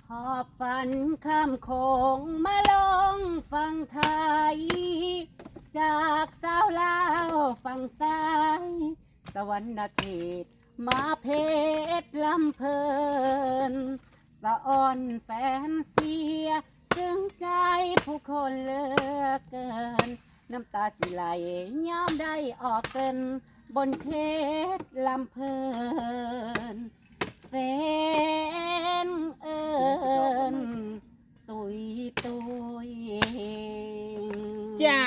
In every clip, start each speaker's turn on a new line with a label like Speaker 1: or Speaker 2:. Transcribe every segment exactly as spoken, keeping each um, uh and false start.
Speaker 1: หอบฝันข้ามโขงมาลงฝั่งไทย จากสาวลาวฝั่งซ้าย สวรรณเขตมาเพชรลำเพลินสะอ่อนแฟนเสีย ซึ่งใจผู้คนเหลือเกิน น้ำตาสิไหลย้ำได้ออกเกิน บนเพชรลำเพลินแฟนเอิญตุยตุย
Speaker 2: จ้า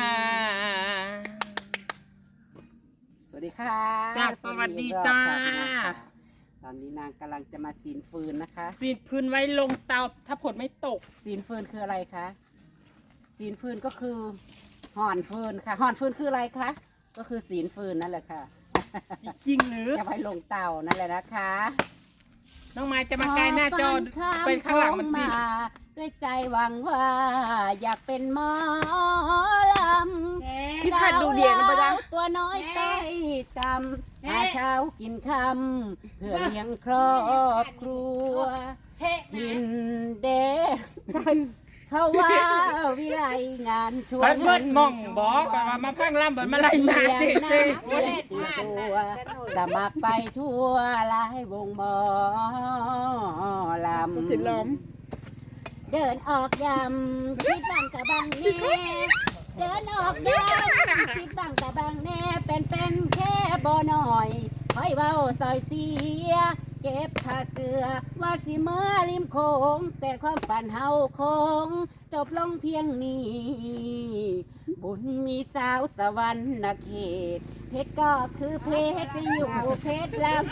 Speaker 1: สวัสดีค่ะ
Speaker 2: จ้าสวัสดีจ้า
Speaker 1: ตอนนี้นางกำลังจะมาสีนฟืนนะคะ
Speaker 2: สีดพื้นไว้ลงเตาถ้าผลไม่ตก
Speaker 1: สีนฟืนคืออะไรคะสีนฟืนก็คือห่อนฟืนค่ะห่อนฟืนคืออะไรคะก็คือสีนฟืนนั่นแหละค่ะ
Speaker 2: จริงหรือ
Speaker 1: จะไปลงเตานั่นแหละนะคะ
Speaker 2: น้องไม้จะมาไกลหน้าจอไปข้างหลังมันสิ
Speaker 1: มาด้วยใจหวังว่า อยากเป็นหมอลำ
Speaker 2: พี่ผัดดูเดียนนะปะจ๊ะ
Speaker 1: ตัวน้อยใต้จำหาเช้ากินคำเพื่อเลี้ยงครอบครัวทินเดเขาว่าวิไลงานชว
Speaker 2: พั
Speaker 1: น
Speaker 2: ดเบิดมองบอกว่ามาพังล่ำเบิดมาไล่หนาสิ
Speaker 1: เสี
Speaker 2: สิ
Speaker 1: ยงน้ำเสียงตีตัวสมัครไปทั่วหลายวงหมอลำ
Speaker 2: สิล้อม
Speaker 1: เดินออกยำคิดบังกะบังแน่เดินออกยำคิดบังกะบังแน่เป็นเป็นแค่บ่หน่อยคอยเว้าซอยเสียเก็บผ้าเสือว่าสิเมื่อริมโขงแต่ความฝันเฮาคงจบลงเพียงนี้ บุญมีสาวสวรรค์เขต เพชรก็คือเพชรที่อยู่เพชรลำ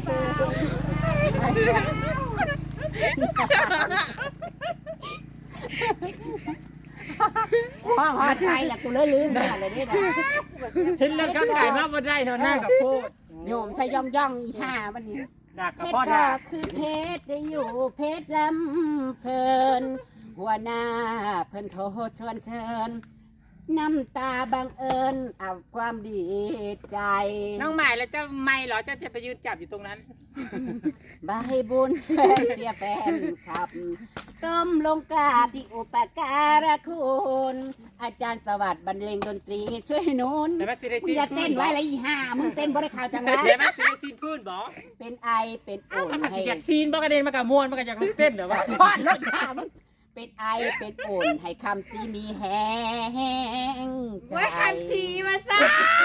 Speaker 1: ห้องหอดใจแหละกูเลยลืมไปเลยนี่นะ
Speaker 2: เห็นแล้วก็ขายมาบ่ได้เท่าหน้ากับโพด
Speaker 1: โยมใส่ย่องย่องอีห่าวันนี้
Speaker 2: ดัก
Speaker 1: เพ
Speaker 2: กับ
Speaker 1: ช
Speaker 2: พ่อ
Speaker 1: รก็
Speaker 2: ดา
Speaker 1: คือเพชรได้อยู่เพชรลำเพลิน หัวหน้าเพิ่นโทรชวนเชิญ น้ำตาบังเอิญเอาความดีใจ
Speaker 2: น้องใหม่แล้วเจ้าไม่เหรอเจ้าจะไปยืนจับอยู่ตรงนั้น
Speaker 1: บายบุญแฟนเสียแฟนครับก้มลงกราบที่อุปการะคุณ อาจารย์สวัสดิ์บรรเลงดนตรีช่วยหนุน
Speaker 2: เดี๋ยวมาสิได้
Speaker 1: มึ
Speaker 2: ซี
Speaker 1: ง
Speaker 2: น
Speaker 1: อย่าเต้นไว้เลยอีห่ามึงเต้นบ่ได้ข่าวจังหวะ
Speaker 2: เดี๋ยวมาสิได้ซีนพื้นบอก
Speaker 1: เป็นไอเป็นอุ่น
Speaker 2: มัน
Speaker 1: ให้
Speaker 2: สิอยากซีนบอกกระเด็นมากับมวนมากับอยากเต้นเดี๋ยวว่า
Speaker 1: พอดรถห่ามึงเป็นไอเป็นอุ่นให้คำสีมีแห้งใจ
Speaker 3: ไว้คำชีมาซะ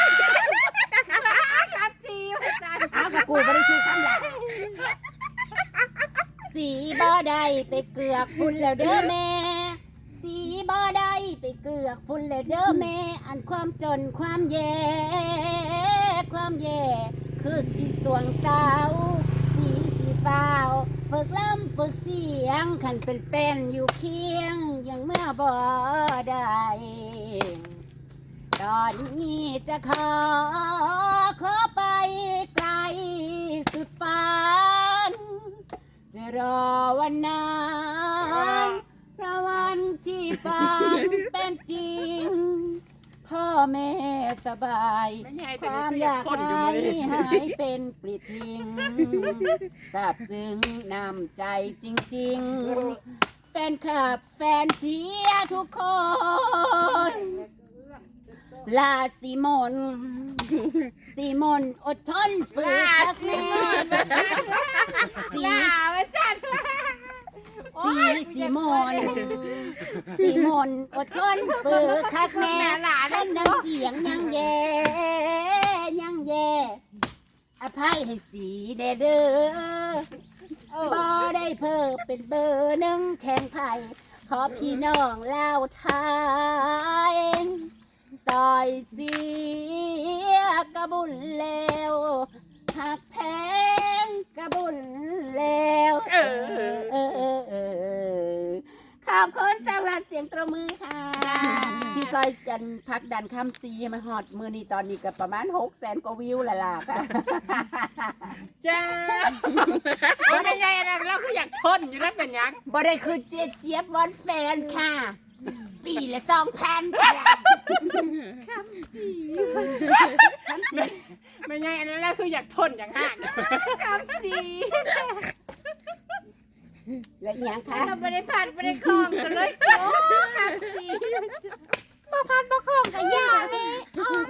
Speaker 3: คำชีมาซะ
Speaker 1: เอากับกูไม่ได้ชื่อคำหยาบสีบ่ได้ไปเกือกฝุ่นแล้วเด้อแม่ สีบ่ได้ไปเกือกฝุ่นแล้วเด้อแม่ อันความจนความแย่ความแย่คือสีสวงเศร้าสีสีฟ้าวฝึกล้ำฝึกเสียงขันเป็นเป็นอยู่เคียงยังเมื่อบ่ได้ ตอนนี้จะขอขอไปไกลสุดฝัน จะรอวันนั้นเพราะวันที่ฝันเป็นจริง พ่อแม่สบาย ความอยากหายหายเป็นปลิดทิ้งซาบซึ้งน้ำใจจริงๆ แฟนคลับแฟนเชียร์ทุกคน ลาสีมนสีมนอดทนฝืนสักแน่สี
Speaker 3: ลามาซะ
Speaker 1: สีสีมนสีมนอดทนฝืนคักแน่ท่านน้ำเสียงยังแย่ยังแย่อภัยให้สีเด้อเด้อบ่ได้เพิ่มเป็นเบอร์หนึ่งแข่งไผ่ขอพี่น้องเล่าไทยซอยเสียกระบุญแล้วหักแพงกระบุญแล้วเออเออเออเออขอบคุณสำหรับเสียงตรบมือค่ะที่ซอยกันพักดันคำซีมาฮอดมือนี้ตอนนี้ก็ประมาณหกแสนกว่าวิวและล่ะค่ะ
Speaker 2: จ้าว่าเป็นไงนะเราคืออยากทนอยู่นั่นเป็นยัง
Speaker 1: บ่ได้คือเจี๊ยบเจี๊ยบวอนแฟนค่ะ ปีละสองพันคำสีคำสี
Speaker 2: ไม่ไงอันนั้นแหละคืออยากทนอย่างห่าง
Speaker 3: คำชี
Speaker 1: และอีหยังคะ
Speaker 3: เราไม่ได้ผัดไม่ได้คลองกันเลยโอ้ผักชี
Speaker 1: บ่พัดบ่คล่องกับย่าเลยอ้าว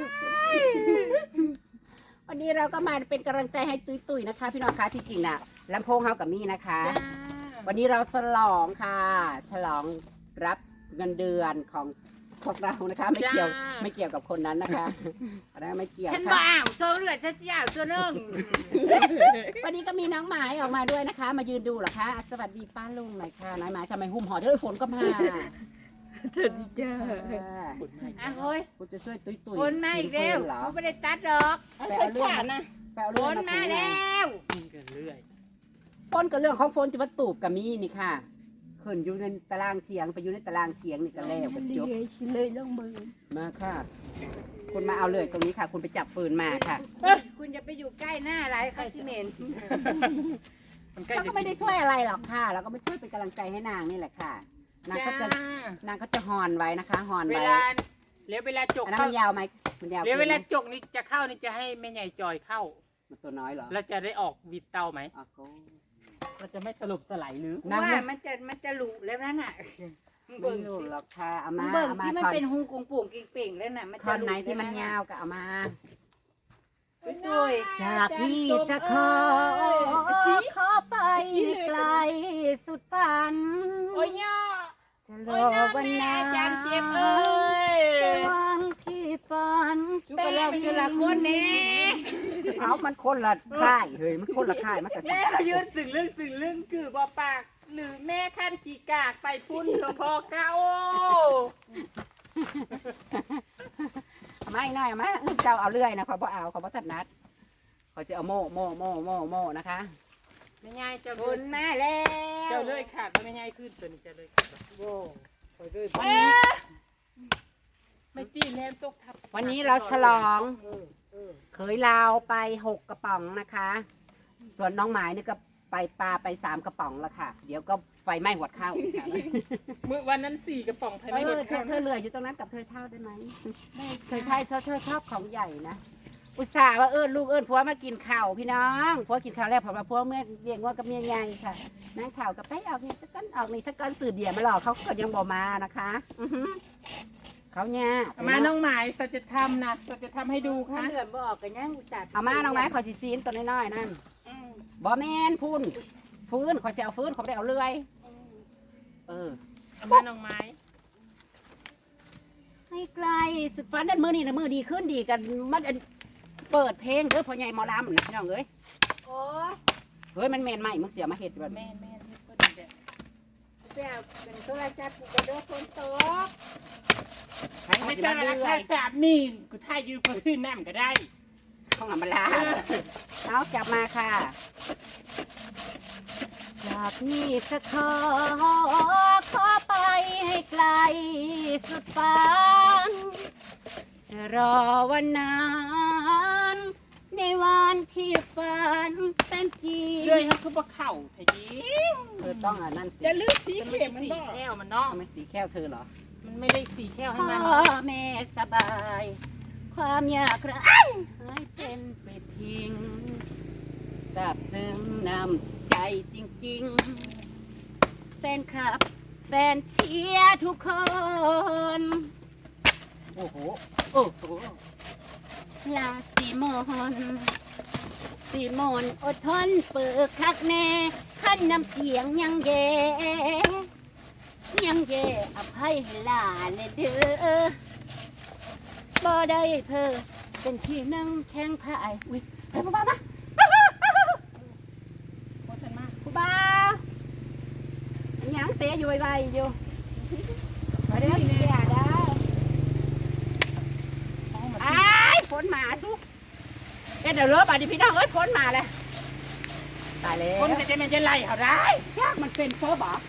Speaker 1: วันนี้เราก็มาเป็นกำลังใจให้ตุ้ยๆนะคะ พี่น้องคะที่จริงน่ะลำโพงเฮากับมี่นะคะ วันนี้เราฉลองค่ะ ฉลองรับเงินเดือนของพวกเรานะคะ ไม่เกี่ยว
Speaker 2: จ้า
Speaker 1: ไม่เกี่ยวกับคนนั้นนะคะอันนั้นไม่เกี่ยว
Speaker 3: ฉัน
Speaker 1: ค่ะ
Speaker 3: บ้าโซ่เลือดฉันยาวตัวนึง
Speaker 1: วันนี้ก็มีน้องหมายออกมาด้วยนะคะ มายืนดูเหรอคะสวัสดีป้าลุงหน่อยค่ะน้อยหมายทำไมหุ้มห่อเจ้าฝนก็มา
Speaker 3: สวัสดีจ้าอ่ะเฮ้ย
Speaker 1: กูจะช่วยตุ้ยตุ้ย
Speaker 3: คนมาอีกแล้ว
Speaker 1: เหรอ
Speaker 3: เขาไม่ได้ตัดดอก
Speaker 1: ไปเอาเรื่องมันนะไปเอา
Speaker 3: ค
Speaker 1: เรื่อง
Speaker 3: น
Speaker 1: มา
Speaker 3: มา
Speaker 1: คุย
Speaker 3: แล้ว
Speaker 2: กินกันเรื่อย
Speaker 1: ฝนกับเรื่องของฝนจะมาตูบกับมีนี่ค่ะขึ้นอยู่ในตารางเถียงไปอยู่ในตารางเถียงนี่ก็แล้วกันจบ
Speaker 3: เลยลงมือ
Speaker 1: มาค่ะ คุณมาเอาเลยตรงนี้ค่ะ คุณไปจับฟืนมาค่ะ
Speaker 3: คุณจะไปอยู่ใกล้หน้าไรคาซิเมน
Speaker 2: มันใกล้
Speaker 1: เราก็ไม่ได้ช่วยอะไรหรอกค่ะ เราก็ไม่ช่วยเป็นกำลังใจให้นางนี่แหละค่ะ นางก็จะ
Speaker 2: จ้าน
Speaker 1: างก็จะฮอนไว้นะคะฮอน
Speaker 2: เว
Speaker 1: ไว้
Speaker 2: ลาเดี๋ยวเวลาจก
Speaker 1: อันนั้น
Speaker 2: เข้า
Speaker 1: มันยาวไหมมันยาว
Speaker 2: เดี๋ยวเวลา
Speaker 1: กินไหม
Speaker 2: จกนี่จะเข้านี่จะให้แม่ใหญ่จอยเข้า
Speaker 1: มันตัวน้อยเหรอ
Speaker 2: แล้วจะได้ออกวิดเตาไหม
Speaker 1: อ๋อโก้
Speaker 2: เราจะไม่สลบสลายหรือ
Speaker 1: นาง
Speaker 3: ว่ามันจะมันจะหลุแล้วนั่นน่ะ
Speaker 1: ไม่
Speaker 3: เบิ่ง
Speaker 1: รู้
Speaker 3: สิ
Speaker 1: หรอกค่ะเอามา
Speaker 3: เบิ่ง
Speaker 1: เอามา
Speaker 3: ที่มัน
Speaker 1: ท่อน
Speaker 3: เป็นหูกงปุ่งกิ่งเป่งแล้วน่ะมัน
Speaker 1: ท่
Speaker 3: จะ
Speaker 1: อน
Speaker 3: หลุ
Speaker 1: ไหนที่มันยาวก็เอามา
Speaker 3: ด้วย
Speaker 1: จากพี่จะขอขอไปไกลสุดฝัน
Speaker 2: โอ้ยย่อ
Speaker 1: จะร
Speaker 2: โอ้
Speaker 1: อย
Speaker 2: น้า
Speaker 1: วัน
Speaker 2: แม่
Speaker 1: นั้น
Speaker 2: จานเจ็บเอ้ย
Speaker 1: วันที่ฝัน
Speaker 3: จุกเราคือละคนนี่
Speaker 1: เอามันคนละค่ายเฮ้ยมันคนละค่ายมันก็สิ
Speaker 2: แม่มายืนสึงเรื่องสึงเรื่องคือบอปาก หรือแม่ขั้นขี่กากไปพุ่นหลวงพ่อเก้า
Speaker 1: เอามาอีกหน่อยเอามาเจ้าเอาเรื่อยนะขอบ่เอาขอบ่ตัดนัดขอจะเอาโม่โม่โม่โม่โม่นะคะ
Speaker 2: ไม่ง่ายเจ้า
Speaker 3: ค
Speaker 2: เลื่อน
Speaker 3: มาแล้ว
Speaker 2: เจ้าเลื่อยขาดไม่ง่ายขึ้นตัวนี้เจ้าเลื่อยขาด
Speaker 3: โว้ไปด้วย
Speaker 2: เอ๊ะไม่ตีแนมตกทับ
Speaker 1: วันนี้เราฉลองเคยลาวไปหกกระป๋องนะคะ ส่วนน้องหมายนี่ก็ไปปลาไปสามกระป๋องแล้วค่ะ เดี๋ยวก็ไฟไหม้หัวเข้าอีกค่ะ
Speaker 2: เมื่อวันนั้นสี่กระป๋องภาย
Speaker 1: เอ
Speaker 2: ในร
Speaker 1: อ
Speaker 2: ถ
Speaker 1: เธ
Speaker 2: เข้า
Speaker 1: อเธ
Speaker 2: นะ
Speaker 1: อเหลืออยู่ตรงนั้นกับเธอเท่าได้ไหมเธอไทยเธอเธอชอบของใหญ่นะอุตส่าห์ว่าเอิญลูกเอิญผัวมากินข้าวพี่น้องผัวกินข้าวแล้วผมว่าผัวเมื่อเลี้ยงว่ากับเมียใหญ่ค่ะนั่งข่าวกับไปออกนี่สักก้อนออกนี่สักก้อนสื่อเดียมาหลอกเขาก็ยังบอกมานะคะอือหือเขาเนี่ย
Speaker 2: เอามาน้องหมายสัจธรรมนะสัจธรรมให้ดู
Speaker 3: ถ้า
Speaker 2: ค่ะ
Speaker 3: เหลือบ่ออกกันยังจัด
Speaker 1: เอามาน้องไม้ขอสิซีนตัวน้อยๆนั่น
Speaker 2: อืม
Speaker 1: บ่แมนพุ่นฟื้นขอจะเอาฟื้นขอได้เอาเลื่อยเออ
Speaker 2: เอามาน้องไม้
Speaker 1: ให้ไกลสุดฝันนั่นมือนี่นะมือดีขึ้นดีกันมันอันเปิดเพลงเด้อพ่อใหญ่หมอลำนะพี่น้องเอ้ย
Speaker 3: โอ้ย
Speaker 1: เฮ้ยมันแมนใหม่มึงเสียมาเห็ดแบบ
Speaker 2: แม่แม่ที่ก็ดีแบบ
Speaker 3: เจ้าเป็นโทรศัพท์กูก็เด้อคนตก
Speaker 1: ให้
Speaker 2: ไม่
Speaker 1: เขา
Speaker 2: ใช่
Speaker 1: จะ
Speaker 2: รา
Speaker 1: เลื่
Speaker 2: คา
Speaker 1: อย
Speaker 2: สามนี่กูท่ายยืนก็ขึ้นน้ำก็ได้
Speaker 1: ข้องหลังมาลาเอาจับมาค่ะจากนี้จะขอขอไปให้ไกลสุดฝันจะรอวันนั้นในวันที่ฝันเป็นจริง
Speaker 2: เลื่อยเขาคือบ่เข่าทะยี
Speaker 1: เธอต้องอ่ะนั่นสิ
Speaker 2: จะลื้อสีเข็มมันบ่แก้วมันเนาะ
Speaker 1: ทำไมสีแก้วเธอเหรอ
Speaker 2: มันไม่ได้สีแก้วให้
Speaker 1: พ่อ
Speaker 2: มัน
Speaker 1: แม่สบาย ความอยากไรให้เป็นไปทิ้งกับซึ้งนำใจจริงๆ แฟนคลับ แฟนเชียร์ทุกคน โอ้โห โอ้โห ลาสีมนสีมนอดทนเปิดคักแน่ขั้นน้ำเสียงยังแย่ยังแย่อภัยให้หลานเลยเด้อบ่ได้เพอเป็นที่นั่งแข้งพายอุ้ยให้ผู้บ่าวมา
Speaker 2: โคตรมาก
Speaker 1: ผู้บ่าวอันยังเตะอยู่ไวๆอยู่มาเด้อพี่เสียเด้อ
Speaker 2: เอามา
Speaker 1: อ้ายฝนมาสุเอ็ดเดี๋ยวเลิกบาดนีพี่น้องเอ้ยฝนมาเลยตายแล้ว
Speaker 2: คนจะจะมันจะไล่เขาได้
Speaker 1: ยากมันเป็นเฟอร์บอ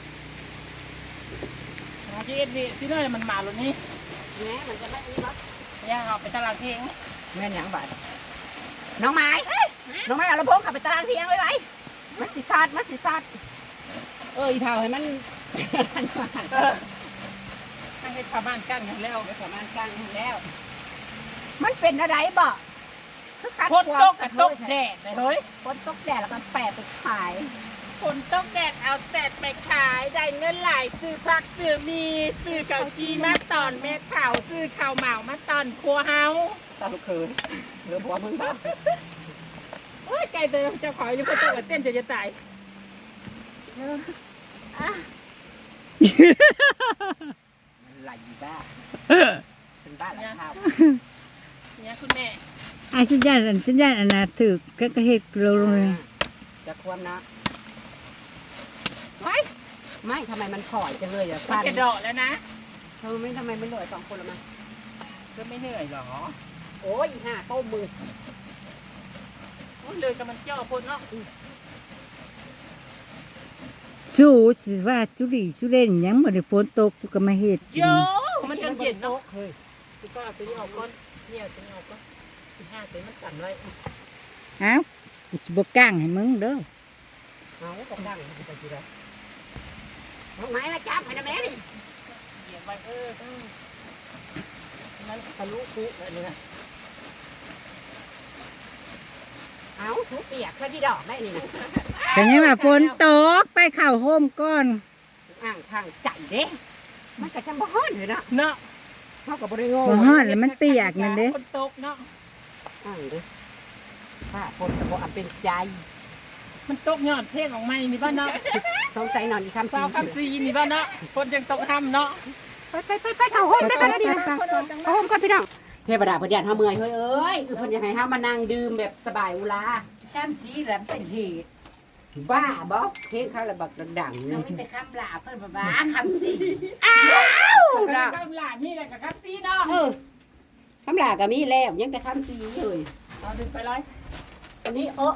Speaker 2: เมื่อกี้เอ็ดวีที่นั่นมันมาแล้วนี่
Speaker 1: แหมมันจะไม่มีบัก
Speaker 2: ย่างเอาไปตลาดเทง
Speaker 1: แม่นหยังบาดน้องไม้น้องไม้เอาลำโพงขับไปตารางเทียงไว้ไว้มันสิซาดมันสิซาดเอ้ยเท่าให้มัน ทันมา
Speaker 2: เออให้ให้ชาวบ้านกั้นกันแล้ว
Speaker 1: ประมาณกลางแล้ว มันเป็นอะไรบ่คือการ
Speaker 2: โคตรตกกับตกแดดเลยเฮ้ย
Speaker 1: ฝนตกแดดแล้วมันแปะไปขาย
Speaker 2: ฝนต้องแดดเอาแดดไปขายได้เงินหลายซื้อผักซื้อมีซื้อเกาจีมาตอนเม็ดข่าวซื้อข่าวเหมามาตอนครัวเฮา
Speaker 1: ตาลูกเคยเหลือผัวมึงบ้าง
Speaker 2: โอ้ยไก่เตยเจ้าของอยู่ก็เต้นเต้นจะจะตาย
Speaker 1: ไหลบ้าเป็นบ้าแล้วครับ
Speaker 2: เนี่ยคุณแม่
Speaker 4: ไอ้สัญญาณอันสัญญาณอันน่ะถือก็กระเฮ็ดโลลงเลย
Speaker 1: จะควรนะไม่ไม่ทำไมมันถอยจังเลยอ่ะ
Speaker 2: มัน
Speaker 1: ฟัน
Speaker 2: จะเดาะแล้วนะ
Speaker 1: เธอไม่ทำไมไม่เหลือสองคนละมั้ง
Speaker 2: ก็ไม่เหนื่อยหรอ
Speaker 1: โอ้ยอีห่าต้มมือ
Speaker 2: โอ้ยเลยกับมันเจ้าพ่นเนาะ
Speaker 4: สู้สิว่าสุริสุเล่นหยังบ่ได้ฝนตกจุก็มาเฮ็ด
Speaker 2: โยมันยังเย็นเนาะเฮ้ยคือก็เอาตัวนี้ออกก่อนเนี่ยตัวนี้ออกก่อนสิบห้าตัวมันสั่นไว้
Speaker 4: เอ้ากูสิบ่ก้างให้มึงเด้อ
Speaker 1: เอากระดังไปทีละน้องไม้มาจับให้นะแม่ดิ
Speaker 2: เหยียบไว้เออเออนั้นทะลุคุกเลยนะ
Speaker 1: เอาทุกเปียกเพื่อที่ดอกได้นี่นะ
Speaker 4: ก็ยังว่าฝนตกไปเข้าโฮมก่อน
Speaker 1: อ่างทางใจเด้มันก็จะบ่ฮ้อนเลยนะ
Speaker 2: เนาะ
Speaker 1: เท่ากับบ่ได้โง่
Speaker 4: บ่ฮ้อนแล้วมันเปียกนั่นเด้
Speaker 2: คนตกเนาะ
Speaker 1: อ่างเด้ถ้าคนจะบ่อันเป็นใจ
Speaker 2: มันตกยอดเพลงของไม่มีบ้านเนาะ
Speaker 1: สงสัยนอนอีกคำ
Speaker 2: สาวคำซีมีบ้านเนาะคนยังตกห้ำเนาะ
Speaker 1: ไปไปไปไปเข้าห้องได้กันแล้วดิเข้าห้องก่อนพี่น้องเทวดาเพิ่นอยากเฮาเมื่อยเฮ้ยเอ้ยคือเพิ่นอยากให้เฮามานั่งดื่มแบบสบายอุลา
Speaker 3: แก้มสีแหลมเป็นเหตุ
Speaker 1: บ้าบ่เพลงเขาระบักดังๆ
Speaker 3: เรา
Speaker 1: นี่
Speaker 3: ไม่แต่คำลาเพิ่นบ้าคำสี
Speaker 2: แล้วก็หลานนี่แหละกับคับซีเนาะ
Speaker 1: เออคำลาก็มีแล้วยังแต่คำสีเลย
Speaker 2: เอาดึงไปเลย
Speaker 1: อันนี้เออ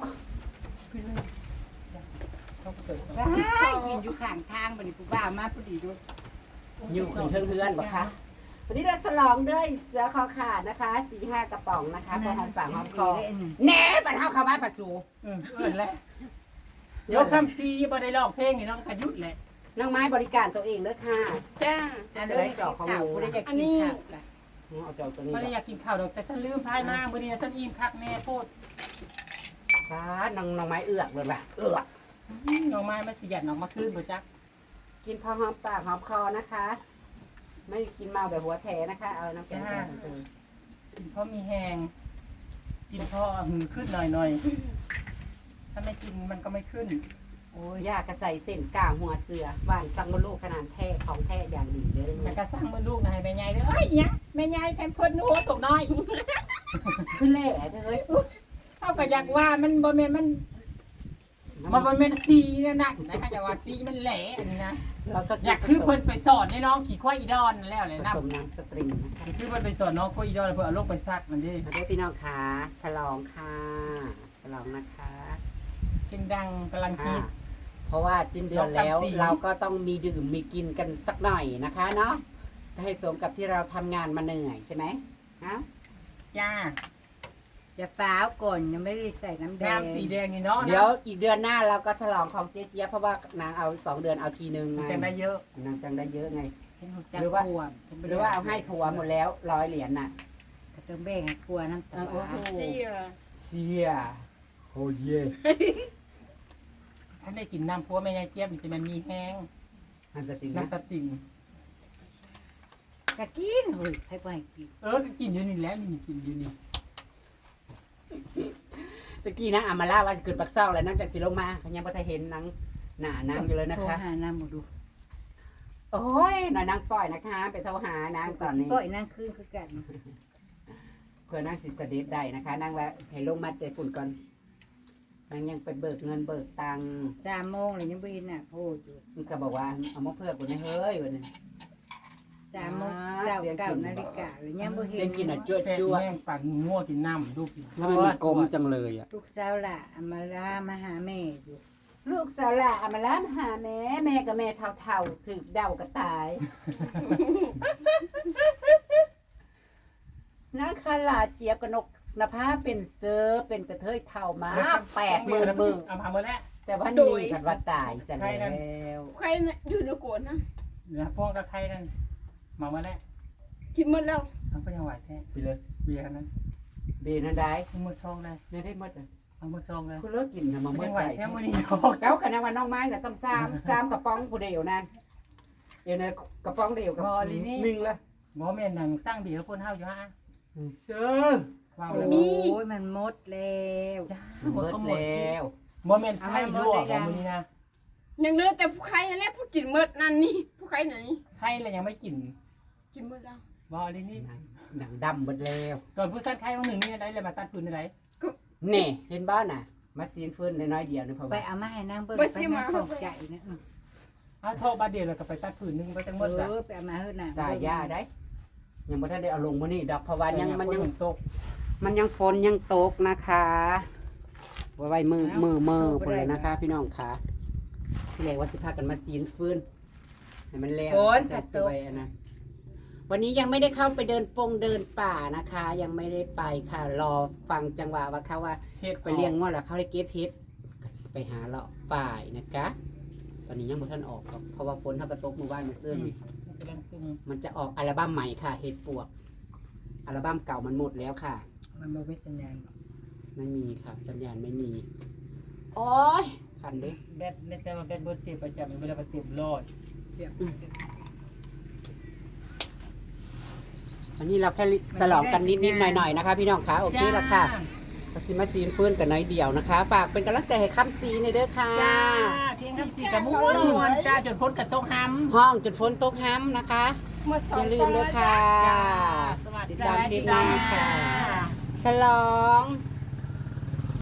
Speaker 3: ว้ายกินอยู่ข้างทางบัดนี้ผู้บ่าวมาพอดีด้วย
Speaker 1: อยู่ขึ้นเทิงเฮือนบ่คะวันนี้เราฉลองด้วยเสือคอขาดนะคะสี่ห้ากระป๋องนะคะพอหอมปากหอมคอแหน่บัดเฮาเข้าบ้านปัดสู
Speaker 2: เออเออแหละเดี๋ยวคำซีบ่ได้ร้องเพลงนี่น้องกระยุดแหละ
Speaker 1: น้องไม้บริการตัวเองเด้อค่ะ
Speaker 2: จ้า
Speaker 3: อันนี้ข่าวผู้ใดจะกินข้าวล่ะ
Speaker 1: เอาเจ้าตัวนี้
Speaker 2: บ่ได้อยากกินข้าวดอกแต่ฉันลืมพายมามื้อนี้ฉันอิ่มคักแน่โพด
Speaker 1: ฟ้าน้องน้องไม้เอือกเลยล่ะเอือก
Speaker 2: น้องไม้มาสิหยัดน้องมาคืนบ่จัก
Speaker 1: กินพอหอมปากหอมคอนะคะ ไม่ได้กินเมาแบบหัวแถนะคะ เอาน้ำแข็งใส่ไป
Speaker 2: กินเพราะมีแหงกินเพราะหือขึ้นหน่อยๆถ้าไม่กินมันก็ไม่ขึ้น
Speaker 1: โอ้ยยากระใส่เส้นกลางหัวเสือหวานตังมะลูกขนาดแท้ของแท้อย่างดีเลย
Speaker 2: แต่ก็สร้างมือลูกนะให้แม่ใหญ่เด้อเอ้ยเนี่ยแม่ใหญ่แทนคนหัวตกน้อย
Speaker 1: ขึ้นแหล่เฮ้ย
Speaker 2: เท่ากับอยากว่ามันบ่แม่นมันมันบ่แม่นสีนั่นน่ะนะคะอยากว่าสีมันแหล่อันนี้นะ
Speaker 1: เราก็
Speaker 2: อยากคือเพิ่นไปสอนให้น้องขี่ควายอีดอนนั่นแล้วเลย
Speaker 1: ผ
Speaker 2: นะ
Speaker 1: สมน้ำสตริงนะคะ
Speaker 2: คือเพิ่นไปสอนน้องควายอีดอนแล้วเพิ่นเอาลงไปซักมันดิ
Speaker 1: มาด้วยพี่น้องค่ะฉลองค่ะฉลองนะคะ
Speaker 2: เสียงดังกำลังคิ
Speaker 1: ค่ะ
Speaker 2: ด
Speaker 1: เพราะว่าสิ้นเดือนแล้ว
Speaker 2: เราทำสี
Speaker 1: เราก็ต้องมีดื่มมีกินกันสักหน่อยนะคะเนาะให้สมกับที่เราทำงานมาเหนื่อยใช่ไหมฮะ
Speaker 2: จ้า
Speaker 3: อย่าฟ้าวก่อนยังไม่ได้ใส่น้ำแดง
Speaker 2: น้ำสีแดงนี่เนาะ
Speaker 1: เดี๋ยวอีกเดือนหน้าเราก็ฉลองของเจ๊เจี๊ยบเพราะว่านางเอาสองเดือนเอาทีนึง
Speaker 2: มัน
Speaker 1: ไง
Speaker 2: จะได้เยอะ
Speaker 1: นางจังได้เยอะไง
Speaker 3: ฉันรู้จัก
Speaker 1: หรือว่า
Speaker 3: ขวบฉัน
Speaker 1: หรือว่าเอาให้ผัวหมดแล้วร้อยเหรียญน่ะ
Speaker 3: ก็ต้องแบ่งให้ครัวน้ำตา
Speaker 1: โอ้โห
Speaker 3: เสีย
Speaker 1: เชียโอ้เย่
Speaker 2: ท่านได้กินน้ำพัวแม่ยายเจี๊ยบมันจะมันมีแห้ง
Speaker 1: มันจะจริงนะ
Speaker 2: น้ำสติง
Speaker 3: จะกินเฮ้ยให้ไปกิน
Speaker 2: เออก็กินอยู่นี่แล้วนี่กินอยู่นี่
Speaker 1: ตะกี้นะอามาล่าว่าจะเกิดปักเศร้าแล้วนางจากสิลงมาเขายังไม่ได้เห็นนางหน้านางอยู่เลยนะ
Speaker 3: โทร
Speaker 1: คะ
Speaker 3: หาน้ำมาดู
Speaker 1: โอ้ยหน่อยนางปล่อยนะคะ ไปโทรหานางก่อนนี้
Speaker 3: ปล่อยนั่งคืนคือกัน
Speaker 1: เพื่อนางสิสเด็จได้นะคะนางว่าให้ลงมาเตะฝุ่นก่อนนางยังไปเบิกเงินเบิกตังค์
Speaker 3: สามโมงเลยยังไม่เห็นน่ะโพดอยู่
Speaker 1: มันก็บอกว่าเอามาเพื่อกูนะเฮ้ยวันนี้
Speaker 3: สามโมงเก้าเก้านาฬิกาเลยยังไม่เห็
Speaker 1: เสีย
Speaker 3: น
Speaker 1: งกินอ่ะจ้ว
Speaker 2: แซ่บ
Speaker 1: จ้ว
Speaker 2: แห้งปั่นงัวกินน้ำดูกิน
Speaker 1: ทำไมมันกลมจังเลยอ่ะ
Speaker 3: ลูกสาวล่ะเอามาลามาหาแม่อยู่
Speaker 1: ลูกสาวละอามาล้ามหาแม่แม่กับแม่เท่าๆถึกเดากระตาย นักขลาเจี๊ยบกนกนภาเป็นเซอร์เป็นกระเทยเท่ามาแปดหมื่นมึง
Speaker 2: เอามาเมื่อแล้ว
Speaker 1: แต่ว่านี่กันว่าตายซะแล้ว
Speaker 5: ใครน่ะอยู่ในโกนนะ
Speaker 2: เหลือพวกกระไทยนั่นมาเมื่อแล้ว
Speaker 5: กินหมดแล้ว
Speaker 2: ทั้งก็ยังไหวแท้
Speaker 1: ไปเลย
Speaker 2: เบียร์นั้น
Speaker 1: เบนันได้
Speaker 2: มือซองเลย
Speaker 1: เนี่ยได้หมดเลย
Speaker 2: เอาเอามาจองเลย
Speaker 3: คุณเลิกกินนะมา
Speaker 2: ไม่
Speaker 3: เมื่อ
Speaker 2: ไหว
Speaker 3: ไหร่
Speaker 2: แค่มื้อนี้จอง
Speaker 3: เก้ากันนะวันน้องไม้น่ะต้องซ้ำซ้ำกระป๋องผู้เดียวนั่นเดี๋ยวนะกระป๋องเดียวกับหนึ่งละ
Speaker 2: บ่แม่นนั่งตั้งเบียร์คนเฮาอยู่ฮะ
Speaker 3: เสือ
Speaker 2: ว้าว
Speaker 4: โอ
Speaker 2: เลย
Speaker 4: ้ยมันหมดแล้ว
Speaker 2: จ้า
Speaker 3: หมดแล้ว
Speaker 2: บ่แม่นไส้ลวกของมื้อนี้นะ
Speaker 5: ยังเหลือแต่ผู้ใครนั่นแหละผู้กินเมดนั่นนี่ผู้ใครไหน
Speaker 2: ไข่แล้วยังไม่กิน
Speaker 5: กินเมดแล้ว
Speaker 2: บ่ลินี่
Speaker 3: หนังดำหมดแล้ว
Speaker 2: ตอนผู้สั้นไข่วันหนึ่งนี่ได้เลยมาตัดพื้นได้
Speaker 3: นี่เห็นบ้านน่ะ มาซีนฟื้นน้อยๆเดียวนี่พอ
Speaker 4: ไป
Speaker 3: ว่า
Speaker 4: เอามาให้นางเบิ่งไปนางตกใจนะ
Speaker 2: ถ้าโทรบาเดียวแล้วก็ไปตัดพื้นนึงไปจังหมด
Speaker 4: เอ
Speaker 2: ละ
Speaker 4: อไปเอามาเฮ็ดน่ะ
Speaker 3: ตายาได้ ยังบ่ทันได้เอาลงมื้อนี้ดอกเพราะว่ายังมันยัง
Speaker 2: ตก
Speaker 3: มันยังฝนยังตกนะคะไว้มือมือมือพุ่นเลยนะคะ พี่น้องค่ะที่แรกว่าสิพากันมาซีนฟื้นให้มันแล้วแต่สวยอะนะวันนี้ยังไม่ได้เข้าไปเดินปงเดินป่านะคะ ยังไม่ได้ไปค่ะ รอฟังจังหวะว่าเขาว่า
Speaker 2: เฮ็ด
Speaker 3: ไปเลี้ยงงวดแล้วเขาได้เก็บเห็ดก็สิไปหาเลาะป่ายนะคะตอนนี้ยังบ่ทันออกหรอกเพราะว่าฝนเขากระตกหมู่บ้านมาเสื้อนี่
Speaker 2: กำลังซึ่ง
Speaker 3: มันจะออกอัลบั้มใหม่ค่ะ เห็ดปวก อัลบั้มเก่ามันหมดแล้วค่ะ
Speaker 2: มันบ่มีสัญญาณ
Speaker 3: ไม่มีค่ะ สัญญาณไม่มี โอ้ยคันเด้
Speaker 2: แบตในแซมมันเป็นเบอร์เสียประจำเวลาประเต็มร้อย
Speaker 3: อันนี้เราแค่สลองกันนิดๆหน่อยๆนะคะ พี่น้องคะโอเคแล้วค่ะก็สิมาซีนฟื้นกันน้อยเดียวนะคะ ฝากเป็นกำลังใจให้ค่ำซีในเด้อค่ะ
Speaker 2: จ้าเพียงคำสี่กับม้วนจ้าจนพ้นกับทรงห้ำ
Speaker 3: ห้องจนฝนตกห้ำนะคะ
Speaker 5: หมดสอ
Speaker 3: อง ย่าลื
Speaker 5: กล่
Speaker 3: ม
Speaker 5: อง
Speaker 3: เล
Speaker 5: แล้
Speaker 3: ยว
Speaker 5: จ้า
Speaker 3: ค่ะ
Speaker 2: สวัสดี
Speaker 3: ติดตามคลิปหน้าค่ะ ฉลอง